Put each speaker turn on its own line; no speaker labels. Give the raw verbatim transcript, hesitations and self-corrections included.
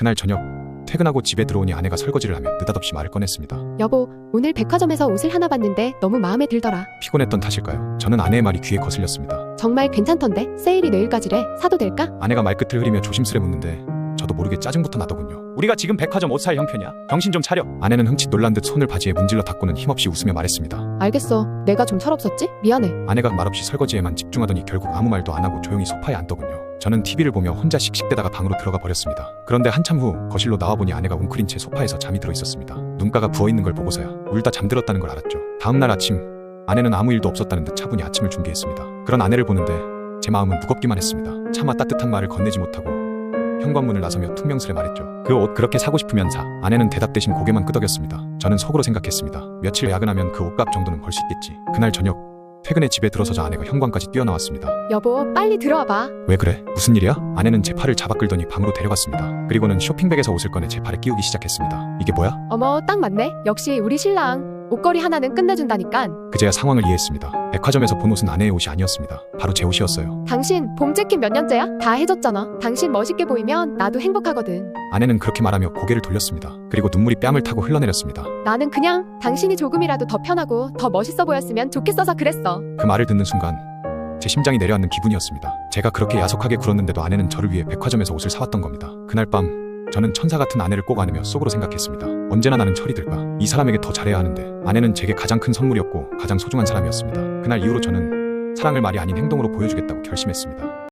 그날 저녁 퇴근하고 집에 들어오니 아내가 설거지를 하며 느닷없이 말을 꺼냈습니다.
여보, 오늘 백화점에서 옷을 하나 봤는데 너무 마음에 들더라.
피곤했던 탓일까요? 저는 아내의 말이 귀에 거슬렸습니다.
정말 괜찮던데? 세일이 내일까지래. 사도 될까?
아내가 말끝을 흐리며 조심스레 묻는데 저도 모르게 짜증부터 나더군요. 우리가 지금 백화점 옷 살 형편이야? 정신 좀 차려. 아내는 흠칫 놀란 듯 손을 바지에 문질러 닦고는 힘없이 웃으며 말했습니다.
알겠어. 내가 좀 철없었지? 미안해.
아내가 말없이 설거지에만 집중하더니 결국 아무 말도 안 하고 조용히 소파에 앉더군요. 저는 티비를 보며 혼자 씩씩대다가 방으로 들어가 버렸습니다. 그런데 한참 후 거실로 나와보니 아내가 웅크린 채 소파에서 잠이 들어 있었습니다. 눈가가 부어있는 걸 보고서야 울다 잠들었다는 걸 알았죠. 다음날 아침 아내는 아무 일도 없었다는 듯 차분히 아침을 준비했습니다. 그런 아내를 보는데 제 마음은 무겁기만 했습니다. 차마 따뜻한 말을 건네지 못하고 현관문을 나서며 퉁명스레 말했죠. 그 옷 그렇게 사고 싶으면 사. 아내는 대답 대신 고개만 끄덕였습니다. 저는 속으로 생각했습니다. 며칠 야근하면 그 옷값 정도는 벌 수 있겠지. 그날 저녁 퇴근에 집에 들어서자 아내가 현관까지 뛰어나왔습니다.
여보, 빨리 들어와봐.
왜 그래? 무슨 일이야? 아내는 제 팔을 잡아 끌더니 방으로 데려갔습니다. 그리고는 쇼핑백에서 옷을 꺼내 제 팔에 끼우기 시작했습니다. 이게 뭐야?
어머, 딱 맞네. 역시 우리 신랑. 옷걸이 하나는 끝내준다니깐.
그제야 상황을 이해했습니다. 백화점에서 본 옷은 아내의 옷이 아니었습니다. 바로 제 옷이었어요.
당신 봄 재킷 몇 년째야? 다 해줬잖아. 당신 멋있게 보이면 나도 행복하거든.
아내는 그렇게 말하며 고개를 돌렸습니다. 그리고 눈물이 뺨을 타고 흘러내렸습니다.
나는 그냥 당신이 조금이라도 더 편하고 더 멋있어 보였으면 좋겠어서 그랬어.
그 말을 듣는 순간 제 심장이 내려앉는 기분이었습니다. 제가 그렇게 야속하게 굴었는데도 아내는 저를 위해 백화점에서 옷을 사왔던 겁니다. 그날 밤 저는 천사 같은 아내를 꼭 안으며 속으로 생각했습니다. 언제나 나는 철이 들까? 이 사람에게 더 잘해야 하는데. 아내는 제게 가장 큰 선물이었고 가장 소중한 사람이었습니다. 그날 이후로 저는 사랑을 말이 아닌 행동으로 보여주겠다고 결심했습니다.